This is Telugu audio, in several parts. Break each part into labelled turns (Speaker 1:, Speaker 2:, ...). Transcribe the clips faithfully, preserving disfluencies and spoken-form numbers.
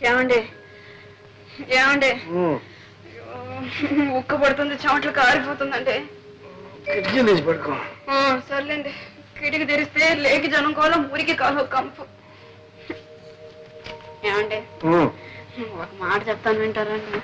Speaker 1: ఏమండి ఏమండి ఉక్క పడుతుంది, చెమట్లు కారిపోతుందండి.
Speaker 2: పడుకో.
Speaker 1: సర్లేండి, కిటికి తెరిస్తే లేకి జనం కాలం ఊరికి కాలం కంపు. ఏమండి ఒక మాట చెప్తాను, వింటారండి?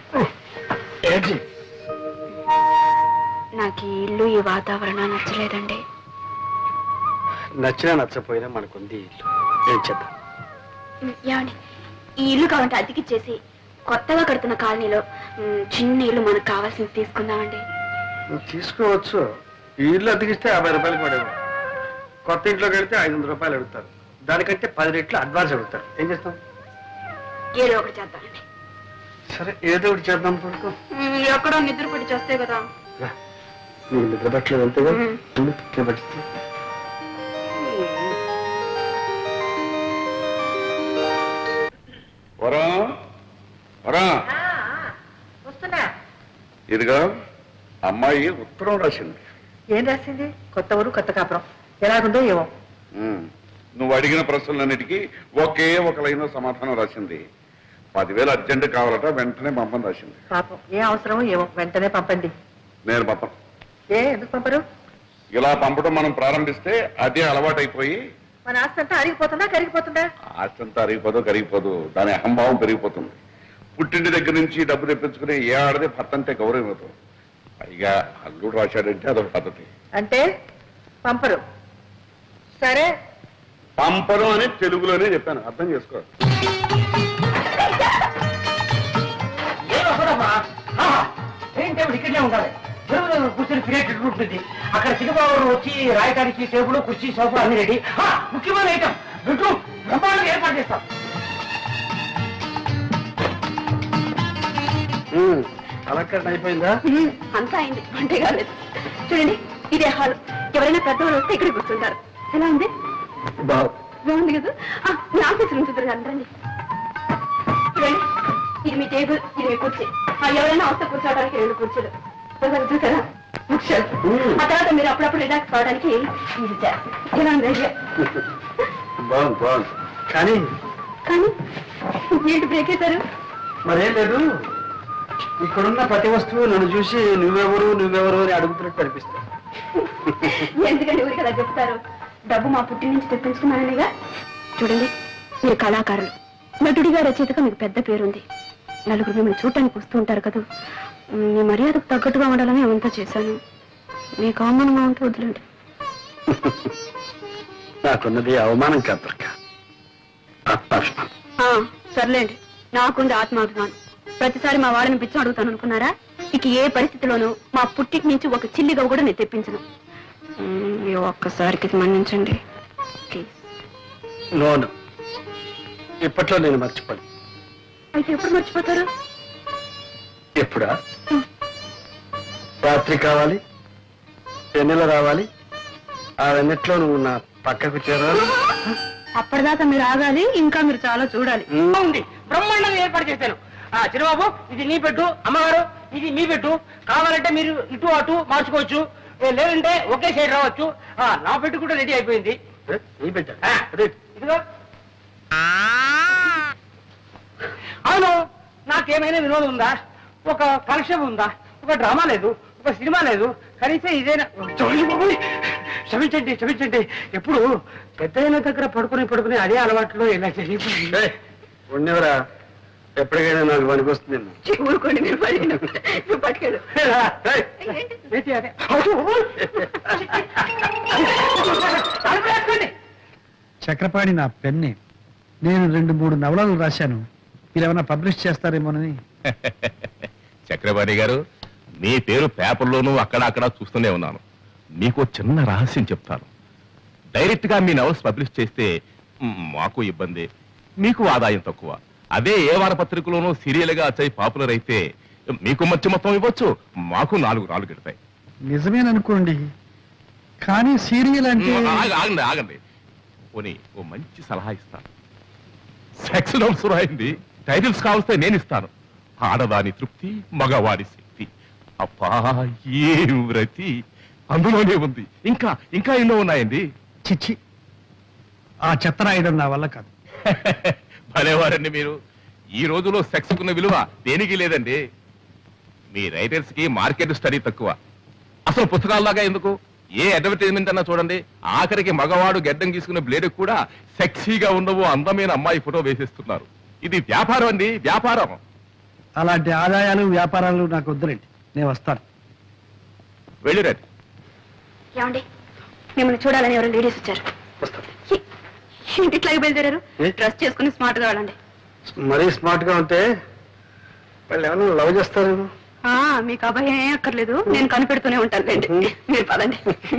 Speaker 1: నాకు ఈ ఇల్లు ఈ వాతావరణం నచ్చలేదండి.
Speaker 2: నచ్చినా నచ్చపోయినా మనకుంది ఇల్లు, ఏం చేద్దాం?
Speaker 1: ఏమండి ఈ ఇల్లు కావాలంటే అతికిచ్చేసి కొత్తగా కడుతున్న కాలనీలో చిన్న ఇల్లు మనకు కావాల్సింది తీసుకుందామండి.
Speaker 2: తీసుకోవచ్చు. ఈ ఇల్లు అతికిస్తే యాభై రూపాయలు పడేవారు, కొత్త ఇంట్లోకి వెళ్తే ఐదు వందల రూపాయలు అడుగుతారు. దానికంటే పది రెట్లు అడ్వాన్స్ అడుగుతారు. ఏం చేస్తాం?
Speaker 1: ఏదో ఒకటి చేద్దామండి.
Speaker 2: సరే ఏదో ఒకటి చేద్దాం. పడుకో.
Speaker 1: ఎక్కడో నిద్ర పట్టి చేస్తే కదా.
Speaker 2: నీకు నిద్ర పట్టలేదు అంతేగా? నిద్ర పట్టిస్తే
Speaker 3: ఇదిగా అమ్మాయి ఉత్తరం రాసింది.
Speaker 4: ఏం రాసింది? కొత్త ఊరు కొత్త కాపురం, ఎలాగుందో ఏమో.
Speaker 3: నువ్వు అడిగిన ప్రశ్నలన్నిటికీ ఒకే ఒక లైన్ సమాధానం రాసింది. పదివేలు అర్జెంట్ కావాలట, వెంటనే పంపని రాసింది.
Speaker 4: పాపం ఏ అవసరమో ఏమో, వెంటనే పంపండి.
Speaker 3: నేను పంపను.
Speaker 4: ఏ ఎందుకు పంపరు?
Speaker 3: ఇలా పంపడం మనం ప్రారంభిస్తే అదే అలవాటైపోయి
Speaker 4: మన ఆస్తి అంతా అరిగిపోతుందా కరిగిపోతుందా?
Speaker 3: ఆస్తి అంతా అరిగిపోదు కరిగిపోదు, దాని అహంభావం పెరిగిపోతుంది. పుట్టింటి దగ్గర నుంచి డబ్బు తెప్పించుకుని ఏ ఆడదే భర్త అంటే గౌరవం అవుతుంది. పైగా అల్లుడు రాశాడంటే అదొక పద్ధతి.
Speaker 4: అంటే పంపరు. సరే
Speaker 3: పంపరు అని తెలుగులోనే చెప్పాను, అర్థం చేసుకో.
Speaker 5: ఇక్కడే ఉండాలి, కూర్చొని పీరియడ్ ఉంటుంది. అక్కడ సినిమాలు వచ్చి రాయడానికి టేబుల్ కుర్చీ సోఫా అన్ని రెడీ. ముఖ్యమైన ఐటమ్ బెడ్రూమ్ బ్రహ్మాండంగా ఏర్పాటు చేస్తాం.
Speaker 2: అలక్కట్ అయిపోయిందా?
Speaker 1: అంతా అయింది, అంటే కాలేదు. చూడండి ఇదే హాల్. ఎవరైనా పెద్దవాళ్ళు వస్తే ఇక్కడ కూర్చుంటారు. ఎలా ఉంది? బాగుంది కదా. మీ ఆఫీస్ నుంచి రండి. చూడండి ఇది మీ టేబుల్, ఇది మీ కుర్చీ. ఎవరైనా వస్తే కూర్చోవడానికి రెండు కుర్చీలు చూసారా, బుక్షలు. ఆ తర్వాత మీరు అప్పుడప్పుడు రిలాక్స్ కావడానికి ఇది చేస్తారు. ఎలా ఉంది?
Speaker 2: బాగుంది బాగుంది. కానీ
Speaker 1: కానీ ఏంటి బ్రేక్ అవుతారు?
Speaker 2: మరేం లేదు, ఇక్కడున్న ప్రతి వస్తువు నన్ను చూసి నువ్వెవరు నువ్వెవరు అని అడుగుతున్నట్టు అనిపిస్తుంది.
Speaker 1: ఎందుకంటే ఊరికి అలా చెప్తారు? డబ్బు మా పుట్టి నుంచి తెప్పించుకున్నాననిగా. చూడండి మీరు కళాకారులు, నటుడిగా రచయితగా మీకు పెద్ద పేరుంది. నలుగురు మిమ్మల్ని చూడటానికి వస్తూ ఉంటారు కదా. మీ మర్యాదకు తగ్గట్టుగా ఉండాలని అవంతా చేశాను. మీకు అవమానంగా ఉంటే వదిలేండి.
Speaker 2: నాకున్నది అవమానం కాదు,
Speaker 1: సర్లేండి. నాకుంది ఆత్మాభిమానం. ప్రతిసారి మా వాళ్ళని పిచ్చి అడుగుతాను అనుకున్నారా? ఇక ఏ పరిస్థితిలోనూ మా పుట్టికి నుంచి ఒక చిల్లిగా కూడా నేను తెప్పించను. ఈ ఒక్కసారికి మన్నించండి ప్లీజ్.
Speaker 2: నోను, ఇప్పట్లో నేను మర్చిపోను.
Speaker 1: అయితే ఎప్పుడు మర్చిపోతారు?
Speaker 2: ఎప్పుడా? రాత్రి కావాలి, వెన్నెల రావాలి, ఆ వెన్నెట్లో నువ్వు నా పక్కకు చేరాలి.
Speaker 1: అప్పటిదాకా మీరు ఆగాలి, ఇంకా మీరు చాలా చూడాలి.
Speaker 5: ఉంది బ్రహ్మాండంగా ఏర్పాటు చేశాను. చిరుబాబు ఇది నీ పెట్టు, అమ్మగారు ఇది మీ పెట్టు. కావాలంటే మీరు ఇటు అటు మార్చుకోవచ్చు, లేదంటే ఒకే సైడ్ రావచ్చు. నా పెట్టు కూడా రెడీ అయిపోయింది. ఇదిగో. అవును, నాకేమైనా వినోదం ఉందా? ఒక కలెక్షన్ ఉందా? ఒక డ్రామా లేదు, ఒక సినిమా లేదు, కనీసం ఇదేనా? క్షమించండి క్షమించండి. ఎప్పుడు పెద్ద దగ్గర పడుకుని పడుకుని అదే అలవాట్లో ఇలా జరిగిపోయింది.
Speaker 2: ఉండేవరా, ఎప్పటికైనా నాకు పనికొస్తుంది.
Speaker 1: ఊరుకోండి, మీరు పట్టుకెళ్ళు.
Speaker 6: చక్రపాణి నా పెన్ని. నేను రెండు మూడు నవలలు రాశాను, మీరేమైనా పబ్లిష్ చేస్తారేమోనని.
Speaker 7: చక్రపాణి గారు, మీ పేరు పేపర్లోనూ అక్కడ అక్కడ చూస్తూనే ఉన్నాను. మీకు చిన్న రహస్యం చెప్తాను. డైరెక్ట్ గా మీ నవల్స్ పబ్లిష్ చేస్తే మాకు ఇబ్బంది, మీకు ఆదాయం తక్కువ. అదే ఏ వారపత్రికలోనూ సీరియల్ గా వచ్చాయి పాపులర్ అయితే మీకు మధ్య మొత్తం ఇవ్వచ్చు, మాకు నాలుగు నాలుగు ఎడతాయి.
Speaker 6: నిజమేననుకోండి, కానీ సీరియల్ అంటే.
Speaker 7: ఆగండి ఆగండి పోనీ ఓ మంచి సలహా ఇస్తాను. సెక్స్ నోట్స్ రాయింది, టైటిల్స్ కావస్తే నేను ఇస్తాను. ఆడదాని తృప్తి, మగవాడి శక్తి. అబ్బా ఏ వ్రతి అందులోనే ఉంది. ఇంకా ఇంకా ఎన్నో ఉన్నాయండి.
Speaker 6: చిచ్చి, ఆ చెత్త రాయడం నా వల్ల కాదు.
Speaker 7: భలేవారండి మీరు. ఈ రోజులో సెక్స్ కున్న విలువ దేనికి లేదండి. మీ రైటర్స్ కి మార్కెట్ స్టడీ తక్కువ. అసలు పుస్తకాల్లాగా ఎందుకు, ఏ అడ్వర్టైజ్మెంట్ అన్నా చూడండి, ఆఖరికి మగవాడు గెడ్డం గీసుకున్న బ్లేడ్ కూడా సెక్సీగా ఉండవు అందమైన అమ్మాయి ఫోటో వేసేస్తున్నారు. ఇది వ్యాపారం అండి, వ్యాపారం.
Speaker 6: అలాంటి ఆదాయాలు వ్యాపారాలు నాకు వద్దులేండి, నేను వస్తాను.
Speaker 7: వెళ్ళిరండి.
Speaker 1: ఏమండి, మిమ్మల్ని చూడాలని ఎవరు లేడీస్ వచ్చారు.
Speaker 2: వస్తాను.
Speaker 1: ఏ- ఏంటి ఇట్లాగే బయలుదేరారు?
Speaker 2: ఏ?
Speaker 1: డ్రెస్ చేసుకుని స్మార్ట్ గా వెళ్ళండి.
Speaker 2: మరీ స్మార్ట్ గా ఉంటే వాళ్ళు ఏమైనా లవ్ చేస్తారు.
Speaker 1: ఆ, మీకు అభయం ఏం అక్కర్లేదు, నేను కనిపెడుతూనే ఉంటాను లేండి. మీరు పదండి.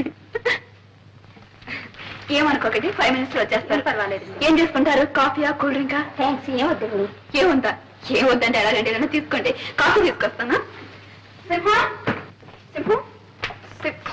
Speaker 1: ఏమనుకోకండి, ఫైవ్ మినిట్స్ లో వచ్చేస్తారు. పర్వాలేదు. ఏం చేసుకుంటారు? కాఫీయా, కూల్ డ్రింకా? థ్యాంక్స్. ఏమొద్దండి. ఏముందా? ఏమొద్దంటే ఎలాగండి, ఏదైనా తీసుకోండి. కాఫీ తీసుకొస్తానా? సింహ సింహం సింహ.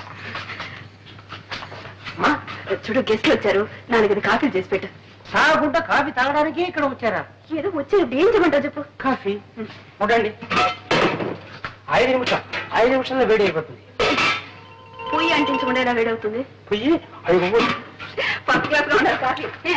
Speaker 5: అమ్మా,
Speaker 1: చూడు, గెస్ట్లు వచ్చారు, నాలుగైదు కాఫీలు చేసి పెట్టు.
Speaker 5: తాగకుండా కాఫీ తాగడానికి ఇక్కడ వచ్చారా?
Speaker 1: ఏదో వచ్చారు, ఏం చేయమంటావు చెప్పు.
Speaker 5: కాఫీ ఉండండి. ఐదు నిమిషాలు ఐదు నిమిషాల్లో వేడి అయిపోతుంది.
Speaker 1: పొయ్యి అంటించకుండా ఎలా వేడవుతుంది?
Speaker 5: పొయ్యి ఐదు
Speaker 1: ఫస్ట్ క్లాస్ లో ఉండాలి కాఫీ. ఏ?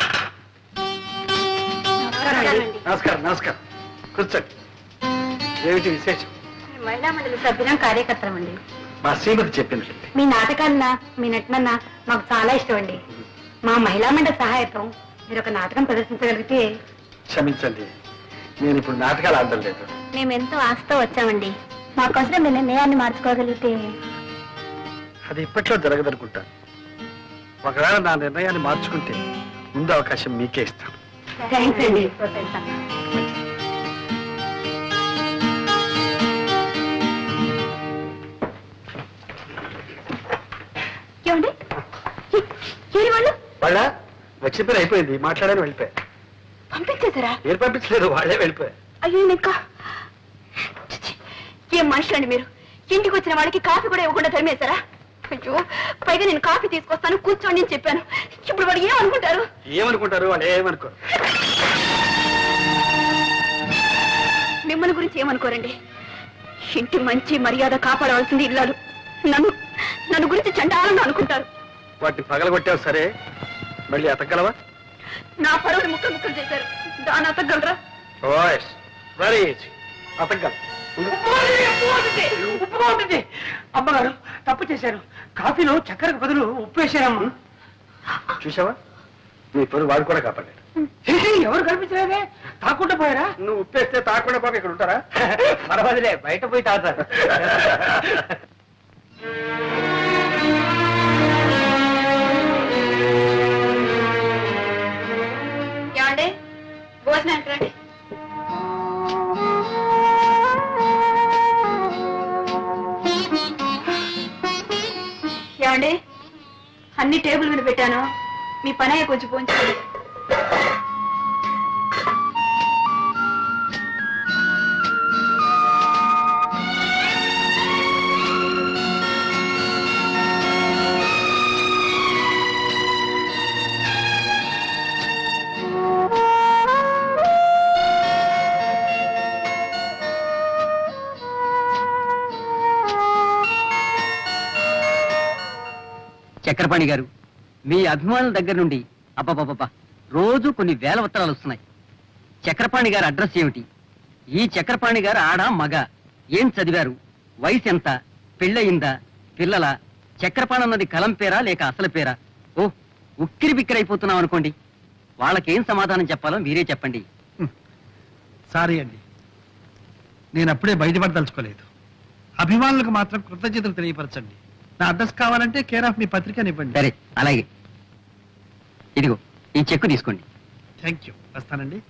Speaker 1: నమస్కారం అండి.
Speaker 2: నమస్కారం నమస్కారం కూర్చోండి. ఏమిటి విశేషం?
Speaker 1: మహిళా మండలి సభ్యులం, కార్యకర్తలం అండి.
Speaker 2: మా శ్రీమతి చెప్పింది.
Speaker 1: మీ నాటకాలన్నా మీ నటనన్నా మాకు చాలా ఇష్టం అండి. మా మహిళా మండలి సహాయతం మీరు ఒక నాటకం ప్రదర్శించగలిగితే.
Speaker 2: క్షమించండి, నేను ఇప్పుడు నాటకాలు ఆడడం లేదు.
Speaker 1: మేము ఎంతో ఆశతో వచ్చామండి. మాకోసం మీ నిర్ణయాన్ని మార్చుకోగలిగితే.
Speaker 2: అది ఇప్పట్లో జరగదనుకుంటాను. ఒకవేళ నా నిర్ణయాన్ని మార్చుకుంటే ముందు అవకాశం మీకే ఇస్తాను.
Speaker 1: థ్యాంక్స్ అండి. ఏమండి, ఏరి వాళ్ళు
Speaker 2: వాళ్ళ వచ్చిన పని అయిపోయింది, మాట్లాడని వెళ్ళిపోయా.
Speaker 1: పంపించేశారా?
Speaker 2: ఏం పంపించలేదు, వాళ్ళే వెళ్ళిపోయా.
Speaker 1: అయ్యో, ఇంకా ఛీ, ఏం మనుషులండి మీరు? ఇంటికి వచ్చిన వాడికి కాఫీ కూడా ఇవ్వకుండా తరిమేశారా? అయ్యో, పైగా నేను కాఫీ తీసుకొస్తాను కూర్చోండి అని చెప్పాను. ఇప్పుడు వాడు ఏమనుకుంటారు?
Speaker 2: ఏమనుకుంటారు వాళ్ళు? ఏమనుకో.
Speaker 1: మిమ్మల్ని గురించి ఏమనుకోరండి. ఇంటి మంచి మర్యాద కాపాడవలసింది ఇల్లాలు. నన్ను నన్ను గురించి చండాలంగా అనుకుంటారు.
Speaker 2: వాటిని పగలగొట్టావు సరే, మళ్ళీ అతగలవా?
Speaker 1: నా పరువుని ముక్కలు ముక్కలు చేశారు, దాన్ని అతగలరా?
Speaker 2: ఓయస్ వెరీ ఈజీ, అతగల.
Speaker 5: ఉప్పు ఉంటుంది. అమ్మగారు తప్పు చేశారు. కాఫీలో చక్కెరకు బదులు ఉప్పు వేశారమ్మా.
Speaker 2: చూసావా, నీ పరువు వాడు కూడా కాపాడాడు.
Speaker 5: చేసి ఎవరు కనిపించలేదే, తాకుండా పోయారా?
Speaker 2: నువ్వు ఉప్పేస్తే తాకుండా పోక ఇక్కడ ఉంటారా?
Speaker 5: పర్వాలేదే, బయట పోయి తాగుతారు.
Speaker 1: ఏమండి, భోజనానికి రండి. ఏమండి, అన్ని టేబుల్ మీద పెట్టాను, మీ పని అయ్యే కొంచెం పోంచుకోండి.
Speaker 8: చక్రపాణి గారు, మీ అభిమానుల దగ్గర నుండి అబ్బబ్బబ్బా రోజు కొన్ని వేల ఉత్తరాలు వస్తున్నాయి. చక్రపాణి గారి అడ్రస్ ఏమిటి? ఈ చక్రపాణి గారు ఆడ మగ? ఏం చదివారు? వయసు ఎంత? పెళ్ళయిందా? పిల్లల? చక్రపాణి అన్నది కలం పేరా లేక అసలు పేరా? ఓ, ఉక్కిరి బిక్కిరైపోతున్నాం అనుకోండి. వాళ్ళకేం సమాధానం చెప్పాలో మీరే చెప్పండి.
Speaker 6: సారీ అండి, నేను అప్పుడే బయటపడదలుచుకోలేదు. అభిమానులకు మాత్రం కృతజ్ఞతలు తెలియపరచండి. నా అడ్రస్ కావాలంటే కేర్ ఆఫ్ మీ పత్రికనివ్వండి.
Speaker 8: సరే, అలాగే. ఇదిగో ఈ చెక్కు తీసుకోండి.
Speaker 6: Thank you. వస్తానండి.